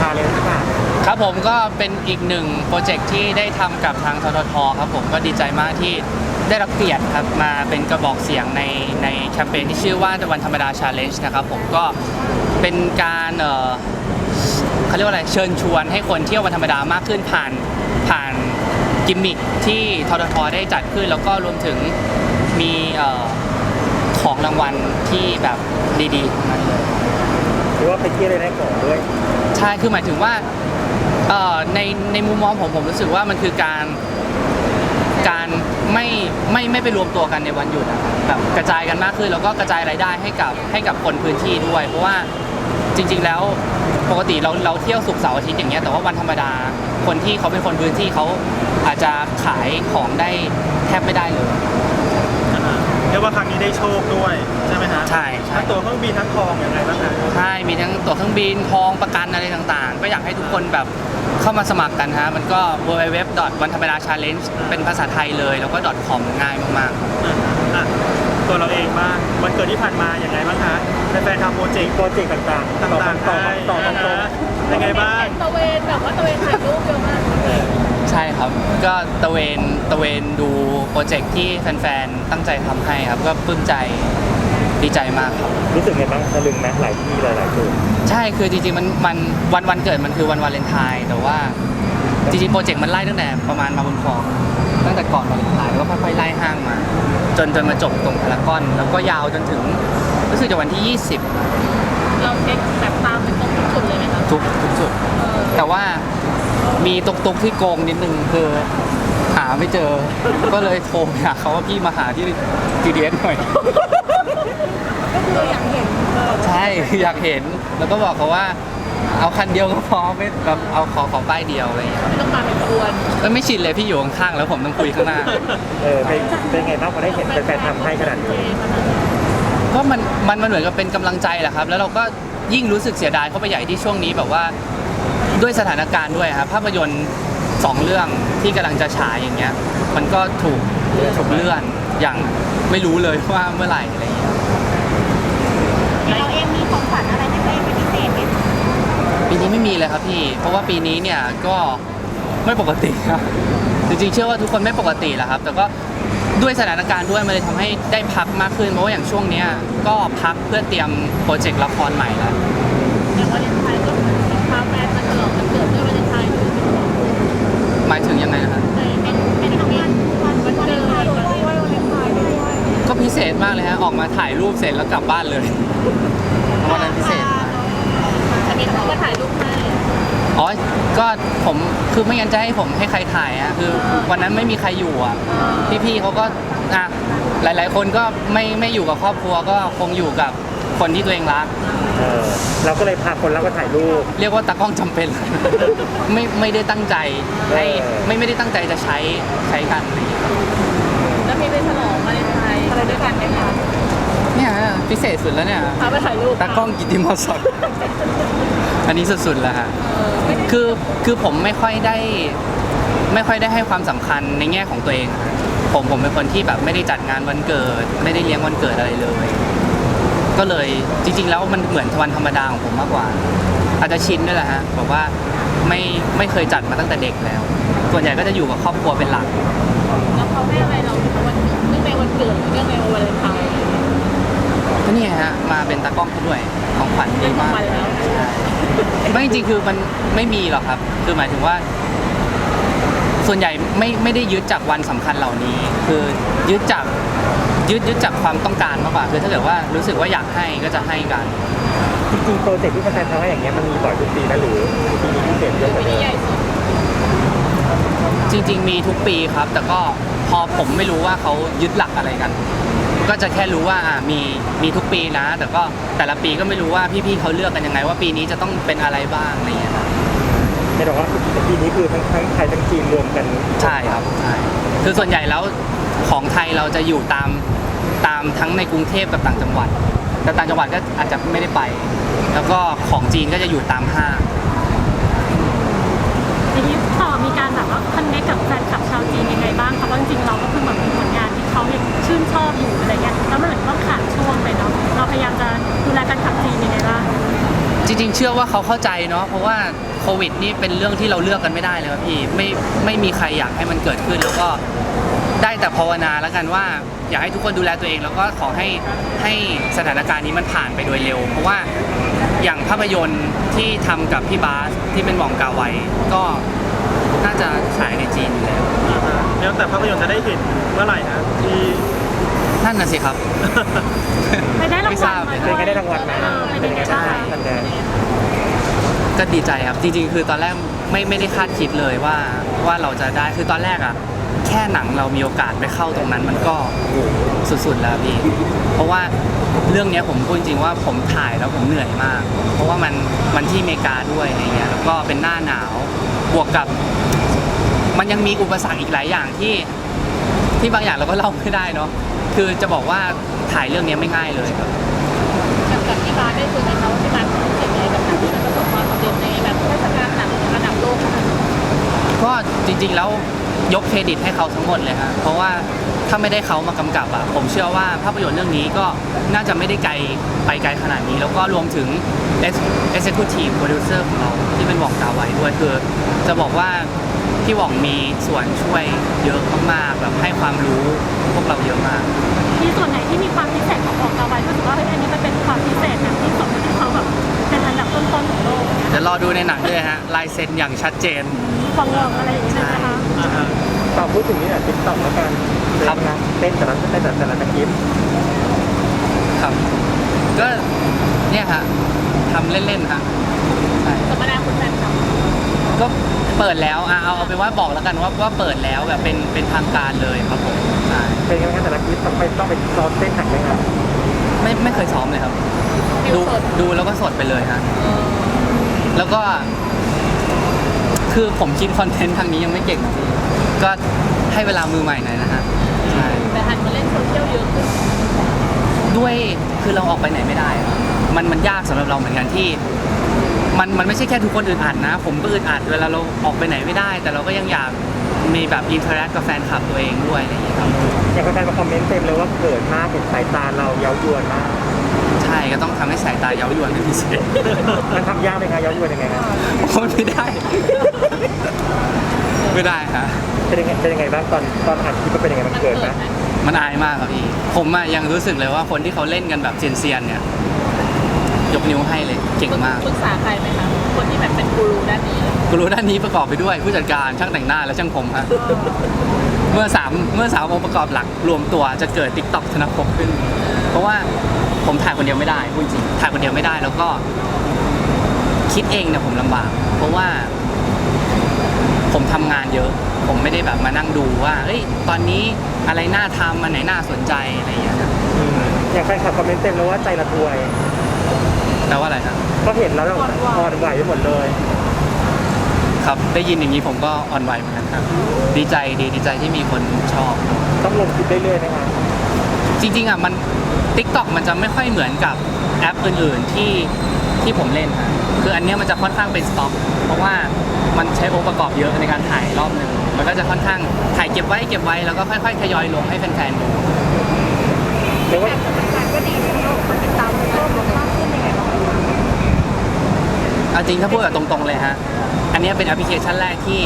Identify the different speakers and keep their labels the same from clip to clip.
Speaker 1: Challenge ค่ะ
Speaker 2: ครับผมก็เป็นอีกหนึ่งโปรเจกต์ที่ได้ทำกับทางทททครับผมก็ดีใจมากที่ได้รับเกียรติครับมาเป็นกระบอกเสียงในแคมเปญที่ชื่อว่าวันธรรมดา Challenge นะครับผมก็เป็นการเขาเรียกว่าอะไรเชิญชวนให้คนเที่ยววันธรรมดามากขึ้นผ่านกิมมิคที่ทททได้จัดขึ้นแล้วก็รวมถึงมีของรางวัลที่แบบดีๆทั้งนั้นเลย
Speaker 1: หรือว่าไปเที่ยวได้ของด้วย
Speaker 2: ใช่คือหมายถึงว่าในมุมมองผมรู้สึกว่ามันคือการไม่ไปรวมตัวกันในวันหยุดแบบกระจายกันมากขึ้นแล้วก็กระจายรายได้ให้กับคนพื้นที่ด้วยเพราะว่าจริงๆแล้วปกติเราเที่ยวศุกร์เสาร์อาทิตย์อย่างเงี้ยแต่ว่าวันธรรมดาคนที่เขาเป็นคนพื้นที่เขาอาจจะขายของได้แทบไม่ได้เลย
Speaker 3: เรียกว่าครั้งนี้ได้โชคด้วยใช่ไหมฮะ
Speaker 2: ใช่
Speaker 3: ทั้งตั๋วเครื่องบินทั้งทองอย่างไรบ้างคะ
Speaker 2: ใช่มีทั้งตั๋วเครื่องบินทองประกันอะไรต่างๆก็อยากให้ทุกคนแบบเข้ามาสมัครกันฮะมันก็ www.wanthambada.challenge เป็นภาษาไทยเลยแล้วก็ .com ง่ายมาก
Speaker 3: ๆตัวเราเองบ้างวันเกิดที่ผ่านมาอย่างไรบ้างคะแฟนๆทำโปรเจกต์
Speaker 1: ต่างๆต่อ
Speaker 3: ยังไงบ้าง
Speaker 4: ตะเวนแบบว่าตะเวนถ่ายรูปเยอะมาก
Speaker 2: ใช่ครับก็ตะเวนดูโปรเจกต์ที่แฟนๆตั้งใจทำให้ครับก็ปลื้มใจดีใจมากครับ
Speaker 1: รู้สึกไงบ้างตะลึงไหมหลายที่หลายจุด
Speaker 2: ใช่คือจริงๆมันวันเกิดมันคือวันวาเลนไทน์แต่ว่าจริงๆโปรเจกต์มันไล่ตั้งแต่ประมาณมาบนคลองตั้งแต่ก่อนวาเลนไทน์แล้วก็ค่อยๆไล่ห้างมาจนมาจบตรงพารากอนแล้วก็ยาวจนถึงรู้สึกจะวันที่20
Speaker 4: เราเช็คแบบตามเป็นตรงทุกจุดเลยไหมคะ
Speaker 2: ทุกจุดแต่ว่ามีตุกที่โกงนิดนึงคือหาไม่เจอก็เลยโทรหาเขาว่าพี่มาหาที่ GDS หน่อย
Speaker 4: ก็คืออยากเห็น
Speaker 2: ใช่อยากเห็นแล้วก็บอกเขาว่าเอาคันเดียวก็พอไม่แบบเอาขอป้ายเดียวอะไรอย่างเงี้ย
Speaker 4: ไม่ต้องมาเป็นกวน
Speaker 2: ไม่ชินเลยพี่อยู่ข้างๆแล้วผมต้องคุยข้างหน้า
Speaker 1: เป็นไงบ้างพอได้เห็นแฟนๆทำให้ขนาดนี้
Speaker 2: ก็มันเหมือนกับเป็นกำลังใจแหละครับแล้วเราก็ยิ่งรู้สึกเสียดายเข้าไปใหญ่ที่ช่วงนี้แบบว่าด้วยสถานการณ์ด้วยครับภาพยนตร์2เรื่องที่กำลังจะฉายอย่างเงี้ยมันก็ถูกเลื่อนอย่างไม่รู้เลยว่าเมื่อไหร่อะไรอย่างเงี้ย
Speaker 4: เราเองมีของขวัญอะไรให้ตัวเองเป็นพิเศษไหม
Speaker 2: ปีนี้ไม่มีเลยครับพี่เพราะว่าปีนี้เนี่ยก็ไม่ปกติครับจริงๆเชื่อว่าทุกคนไม่ปกติแหละครับแต่ก็ด้วยสถานการณ์ด้วยมันเลยทำให้ได้พักมากขึ้นเพราะว่าอย่างช่วงนี้ก็พักเพื่อเตรียมโปรเจกต์ละครใหม่แล้ว
Speaker 4: อย่างวาเลนไทน์ก็พาแฟนมาฉลองวันเกิดด้วยวาเลนไทน์
Speaker 2: หมายถึงยังไงนะครับ
Speaker 4: เป็นทำงานวันเกิดด้วยวาเลนไทน์ด้วย
Speaker 2: ก็พิเศษมากเลยฮะออกมาถ่ายรูปเสร็จแล้วกลับบ้านเลยวันนั้นพิเศษ
Speaker 4: อันนี้เขาก็ถ่ายรูปให้
Speaker 2: อ๋อก็ผมคือไม่งั้นจะให้ผมให้ใครถ่ายอะคือวันนั้นไม่มีใครอยู่อ่ะพี่ๆเขาก็หลายๆคนก็ไม่อยู่กับครอบครัวก็คงอยู่กับคนที่ตัวเองรัก
Speaker 1: เราก็เลยพาคนรักมาถ่ายรูป
Speaker 2: เรียกว่าตากล้องจำเป็นไม่ได้ตั้งใจให้ไม่ได้ตั้งใจจะใช้กันอะไรอย่างเงี้ย
Speaker 4: แล้วมีไปฉลองวาเลนไทน์อะไรด้วยกันไหมคะ
Speaker 2: เนี่ยพิเศษสุดแล้วเนี่ย
Speaker 4: พาไปถ่ายรูป
Speaker 2: ตากล้องกิตติมศักดิ์อันนี้สุดๆแล้วฮะคือผมไม่ค่อยได้ให้ความสำคัญในแง่ของตัวเองผมเป็นคนที่แบบไม่ได้จัดงานวันเกิดไม่ได้เลี้ยงวันเกิดอะไรเลยก็เลยจริงๆแล้วมันเหมือนวันธรรมดาของผมมากกว่าอาจจะชินด้วยแหละฮะบอกว่าไม่เคยจัดมาตั้งแต่เด็กแล้วส่วนใหญ่ก็จะอยู่กับครอบครัวเป็นหลัก
Speaker 4: แล้วเขาให้อะไรเราวันเนื่องในวันเกิดเนื่องในวันวาเลนไทน์
Speaker 2: ก็นี่ฮะมาเป็นตากล้องด้วยของขวัญดีมากไม่จริงๆคือมันไม่มีหรอกครับคือหมายถึงว่าส่วนใหญ่ไม่ได้ยึดจากวันสำคัญเหล่านี้คือยึดจากความต้องการมากกว่าคือถ้าเกิดว่ารู้สึกว่าอยากให้ก็จะให้กัน
Speaker 1: จริงๆโปรเจกต์ที่แฟนๆทำให้อย่างเงี้ยมันมีบ่อยทุกปีนะหรือปีนี้พิเศษเยอะกว่าเดิม
Speaker 2: จริงๆมีทุกปีครับแต่ก็พอผมไม่รู้ว่าเขายึดหลักอะไรกันก็จะแค่รู้ว่ามีทุกปีนะแต่ก็แต่ละปีก็ไม่รู้ว่าพี่ๆเขาเลือกกันยังไงว่าปีนี้จะต้องเป็นอะไรบ้างอะไรอย่างเงี้ย
Speaker 1: ไม่บอกว่าปีนี้คือทั้งไทยทั้งจีนรวมกัน
Speaker 2: ใช่ครับใช่คือส่วนใหญ่แล้วของไทยเราจะอยู่ตามทั้งในกรุงเทพกับต่างจังหวัดแต่ต่างจังหวัดก็อาจจะไม่ได้ไปแล้วก็ของจีนก็จะอยู่ตามห้าง
Speaker 4: ทีนี้ต่อมีการแบบว่าคอนเนคกับแฟนคลับชาวจีนยังไงบ้างคะเพราะจริงๆเราก็คือแบบมีผลงานที่เขายังชื่นชอบอยู่อะไรเงี้ยแล้วมันเหมือนต้องขาดช่วงไปเนาะเราพยายามจะดูแลแฟนคลับจีนยังไงบ้าง
Speaker 2: จริงๆเชื่อว่าเขาเข้าใจเนาะเพราะว่าโควิดนี่เป็นเรื่องที่เราเลือกกันไม่ได้เลยครับพี่ไม่มีใครอยากให้มันเกิดขึ้นแล้วก็ได้แต่ภาวนาแล้วกันว่าอยากให้ทุกคนดูแลตัวเองแล้วก็ขอให้สถานการณ์นี้มันผ่านไปโดยเร็ว เพราะว่าอย่างภาพยนตร์ที่ทำกับพี่บาสที่เป็นหม่องกาไวก็น่าจะฉายในจีนอยู่แล้ว
Speaker 3: แล้วแต่ภาพยนตร์จะได้เห็นเมื่อไหร่นะที่
Speaker 2: นั่นน่ะสิครับ
Speaker 4: ไปได้ราง
Speaker 2: ไม่ท
Speaker 4: วั
Speaker 2: รา
Speaker 4: ล
Speaker 2: บ
Speaker 4: มา
Speaker 1: เป็นไงได้รางวัลไหม
Speaker 4: เป็นยังไงบ้าง
Speaker 1: ท่านแดน
Speaker 2: ก็ดีใจครับจริงๆคือตอนแรกไม่ได้คาดคิดเลยว่าเราจะได้คือตอนแรกอ่ะแค่หนังเรามีโอกาสไปเข้าตรงนั้นมันก็สุดๆแล้วพี่เพราะว่าเรื่องเนี้ยผมพูดจริงๆว่าผมถ่ายแล้วผมเหนื่อยมาก เพราะว่ามันที่อเมริกาด้วยอะไรเงี้ยแล้วก็เป็นหน้าหนาวบวกกับ มันยังมีอุปสรรคอีกหลายอย่างที่บางอย่างเราก็เล่าไม่ได้เนาะคือจะบอกว่าถ่ายเรื่องนี้ไม่ง่ายเลยครับ
Speaker 5: กับที่บ้านได้คุยกันเขาที่บ้านรู้สึกยังไงกับหนังที่มันประสบความสำเร็จในแบบเทศกาลหนังระดับโลกนะคะ
Speaker 2: ก็จริงๆแล้วยกเครดิตให้เขาทั้งหมดเลยฮะเพราะว่าถ้าไม่ได้เขามากำกับอ่ะผมเชื่อว่าภาพยนตร์เรื่องนี้ก็น่าจะไม่ได้ไปไกลขนาดนี้ แล้วก็รวมถึง Executive Producer ของเราที่เป็นหว่องกาไวด้วยคือจะบอกว่าพี่หว่องมีส่วนช่วยเยอะมากๆแบบให้ความรู้พวกเราเยอะมาก
Speaker 4: มีส่วนไหนที่มีความพิเศษของของเราไว้รู้สึกว่าเฮ้ยอันนี้มันเป็นความพิเศษแบบที่สมที่เขาแบบเป็นอันดับต้นๆของโลกเนี่ย
Speaker 2: เดี๋ยวรอดูในหนังด้วยฮะลายเซ็นอย่างชัดเจน
Speaker 4: ฟังๆอะไรอย่างเงี้ยใช่ไหมคะ
Speaker 1: ต่อพูดถึงนี่แหละติ๊กต็อกแล้วกัน
Speaker 2: ครับ
Speaker 1: เต้นแต่ละคลิป
Speaker 2: ครับก็เนี่ยฮะทำเล่นๆฮะใช่
Speaker 5: ธรรมดาคุณแฟนคลับ
Speaker 2: ก็เปิดแล้วเอาเป็นว่าบอกแล้วกันว่าเปิดแล้วแบบเป็นทางการเลยครับผมใช่
Speaker 1: เป็นไงบ้างแต่ละคลิปต้องไปซ้อมเต้นหนักไหมครับ
Speaker 2: ไม่เคยซ้อมเลยครับ ดูแล้วก็สดไปเลยฮะแล้วก็คือผมคิดคอนเทนต์ทางนี้ยังไม่เก่งจริงก็ให้เวลามือใหม่หน่อยนะฮะใช่
Speaker 5: แต่หันมาเล่นโซเชียลเยอะขึ้น
Speaker 2: ด้วยคือเราออกไปไหนไม่ได้อะมันยากสำหรับเราเหมือนกันที่มันไม่ใช่แค่ทุกคนอึดอัดนะ ผมก็อึดอัดเวลาเราออกไปไหนไม่ได้ แต่เราก็ยังอยากมีแบบอินเทอร์แอคกับแฟนคลับตัวเองด้วยอะไรอย่างเงี้ยครับ
Speaker 1: อย่างแฟนๆมาคอมเมนต์เต็มเลยว่าเกิดมากเห็นสายตาเราเย้ายวนมาก
Speaker 2: ใช่ก็ต้องทำให้สายตาเย้ายวนเป็นพิเศษ
Speaker 1: มันทำยากไหมคะเย้ายวนยังไงครับ
Speaker 2: มันไม่ได้ ไม่ได้ฮะ
Speaker 1: เป็นยังไงบ้างตอนอัดคลิปมันเป็นยังไงมันเกิดไหม
Speaker 2: มันอายมากครับพี่ผมอะยังรู้สึกเลยว่าคนที่เขาเล่นกันแบบเซียนๆเนี่ยยกนิ้วให้เลยเก่งมาก
Speaker 5: ปรึกษาใครไหมคะคนที่แบบเป็นกูรูด้านนี้
Speaker 2: กูรู้ด้านนี้ประกอบไปด้วยผู้จัดการช่างแต่งหน้าและช่างผมฮะเมื่อสามองค์ประกอบหลักรวมตัวจะเกิด TikTok ธนภพขึ้น เพราะว่าผมถ่ายคนเดียวไม่ได้พูดจริงถ่ายคนเดียวไม่ได้แล้วก็คิดเองเนี่ยผมลำบาก เพราะว่าผมทำงานเยอะ ผมไม่ได้แบบมานั่งดูว่าเฮ้ยตอนนี้อะไรน่าทำอันไหนน่าสนใจอะไรอย่างเงี้ยครับ
Speaker 1: อย่างแฟนคลับคอมเมนต์เต็มเลยว่าใจละทวย
Speaker 2: แปลว่าอะไรครับ
Speaker 1: ก็เห็นแล้วเราอ่อนไหวไปหมดเลย
Speaker 2: ครับได้ยินอย่างนี้ผมก็อ่อนไหวเหมือนกันครับดีใจที่มีคนชอบ
Speaker 1: ต้องลงคลิปเรื่อยๆนะครับ
Speaker 2: จริงๆอ่ะมัน TikTok มันจะไม่ค่อยเหมือนกับแอปอื่นๆที่ผมเล่นฮะคืออันเนี้ยมันจะค่อนข้างเป็นสต็อกเพราะว่ามันใช้องค์ประกอบเยอะในการถ่ายรอบหนึ่งมันก็จะค่อนข้างถ่ายเก็บไว้แล้วก็ค่อยๆทยอยลงให้แฟนๆดู
Speaker 1: เรียกว่า
Speaker 5: การก็ดีที่เราคนติดตามเพิ่มมากขึ้นยังไงบ้าง
Speaker 2: เอาจริงถ้าพูดแบบตรงๆเลยฮะอันเนี้ยเป็นแอปพลิเคชันแรกที่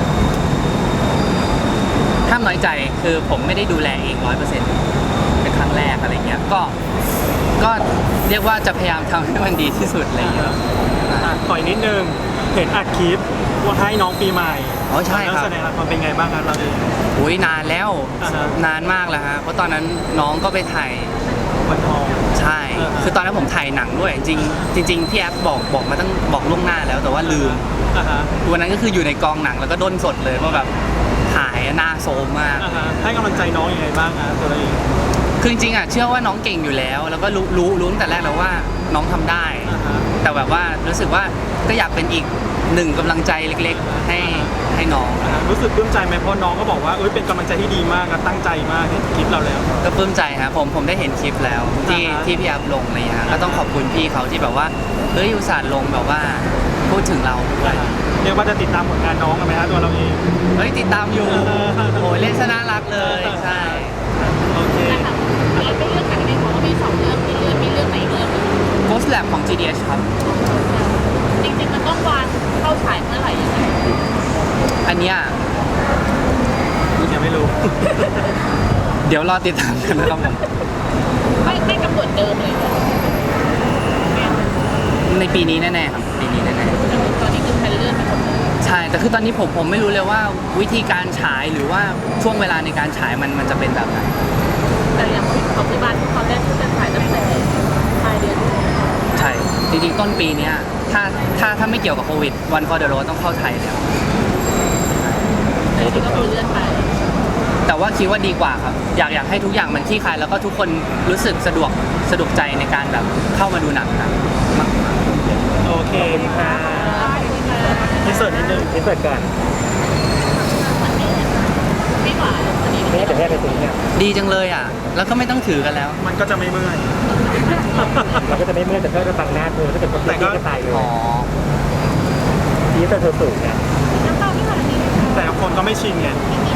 Speaker 2: ห้ามน้อยใจคือผมไม่ได้ดูแลเอง 100%เป็นครั้งแรกอะไรเงี้ยก็เรียกว่าจะพยายามทำให้มันดีที่สุดอะไรเงี้ย
Speaker 3: ต่อยนิดนึงเห็นอัดคลิปว่าให้น้องปีใหม่
Speaker 2: อ๋อใช่ครับ
Speaker 3: แล้วแสดงละครเป็นไงบ้างครับเราเอง
Speaker 2: อุ้ยนานแล้ว
Speaker 3: อ่าฮะ
Speaker 2: นานมากแล้วฮะเพราะตอนนั้นน้องก็ไปถ่าย
Speaker 3: วันทอง
Speaker 2: ใช่
Speaker 3: อ่าฮะ
Speaker 2: คือตอนนั้นผมถ่ายหนังด้วย จริงพี่แอฟบอกมาตั้งบอกล่วงหน้าแล้วแต่ว่าลืม
Speaker 3: อ่าฮะ
Speaker 2: วันนั้นก็คืออยู่ในกองหนังแล้วก็ด้นสดเลยว่าแบบถ่ายหน้าโซมมาก
Speaker 3: อ่าฮะให้กำลังใจน้องยังไงบ้างครับตัวเราเอง
Speaker 2: คือจริงๆอ่ะเชื่อว่าน้องเก่งอยู่แล้ว แล้วก็รู้ตั้งแต่แรกแล้วว่าน้องทำได้
Speaker 3: อ่าฮะ
Speaker 2: แต่แบบว่ารู้สึกว่าก็อยากเป็นอีกหนึ่งกำลังใจเล็กๆ ให้น้อง
Speaker 3: อ่าฮะรู้สึกปลื้มใจไหมเพราะน้องก็บอกว่าเอ้ยเป็นกำลังใจที่ดีมากนะตั้งใจมากเห็นคลิปเราแล้ว
Speaker 2: ก็ปลื้มใจฮะผมได้เห็นคลิปแล้วที่
Speaker 3: อ่าฮะ
Speaker 2: ที่พี่แอฟลงอะไรอย่างเงี้ยก็ต้องขอบคุณพี่เขาที่แบบว่าเฮ้ยอุตส่าห์ลงแบบว่าพูดถึงเราด้วย
Speaker 3: เรียกว่าจะติดตามผลงานน้องกันไหมฮะตัวเราเอง
Speaker 2: เฮ้ยติดตามอยู่ โอ้ยเล่นซะน่ารักเลยใช่
Speaker 3: โอเค
Speaker 5: นะคะมีไม่เลือกหนังในของว่ามี2 เรื่องมีเรื่องไหนเรื่อง
Speaker 2: Ghost Lab ของ GDH ครับ
Speaker 5: ริงๆมันต้องวางเข้าฉายเมื่อไหร่ยังไง
Speaker 2: อันเนี้ย
Speaker 3: ยังไม่รู้
Speaker 2: เดี๋ยวรอติดตามกันนะครับผม
Speaker 5: ไม่กำหนดเดิมเลยเหรอ
Speaker 2: ในปีนี้แน่ๆครับปีนี้แน่
Speaker 5: ตอนนี้คือแพลนเลื่อนไปหมดเลย
Speaker 2: ๆใช่แต่คือตอนนี้ผมไม่รู้เลยว่าวิธีการฉายหรือว่าช่วงเวลาในการฉายมันจะเป็นแบบไหน
Speaker 5: แต่อย่างของที่บ้านตอนแรกที่จะถ่ายตั้งแต่ปลายเดือน
Speaker 2: ใช่จริงๆต้นปีเนี้ยถ้าไม่เกี่ยวกับโควิดวันฟอร์เดโรต้องเข้าไทยแล้ว
Speaker 5: แต่ที่ก็คือเลื่อนไป
Speaker 2: แต่ว่าคิดว่าดีกว่าครับอยากให้ทุกอย่างมันคลี่คลายแล้วก็ทุกคนรู้สึกสะดวกใจในการแบบเข้ามาดูหนังครับมาก
Speaker 3: โอเคค่ะที่เสิร์ชนิดนึง
Speaker 1: อินเสิร์ตก่อน
Speaker 5: มันไม่หวานอันนี้
Speaker 1: ไม่งั้นเดี๋ยวแม่ไปซื้อเนี่ย
Speaker 2: ดีจังเลยอ่ะแล้วก็ไม่ต้องถือกันแล้ว
Speaker 3: มันก็จะไม่เมื่อย
Speaker 1: เราก็จะไม่เมื่อยแต่ก็จะบังหน้าเธอถ้าเกิดคน
Speaker 3: แต่
Speaker 1: ที่
Speaker 3: ก็
Speaker 1: ก็ตายเลย
Speaker 2: อ๋อ
Speaker 1: ที่เธอสูงเนี่ย
Speaker 5: น้ำเต้าที่หวานนี่
Speaker 3: แต่คนก็ไม่ชินไง
Speaker 5: มี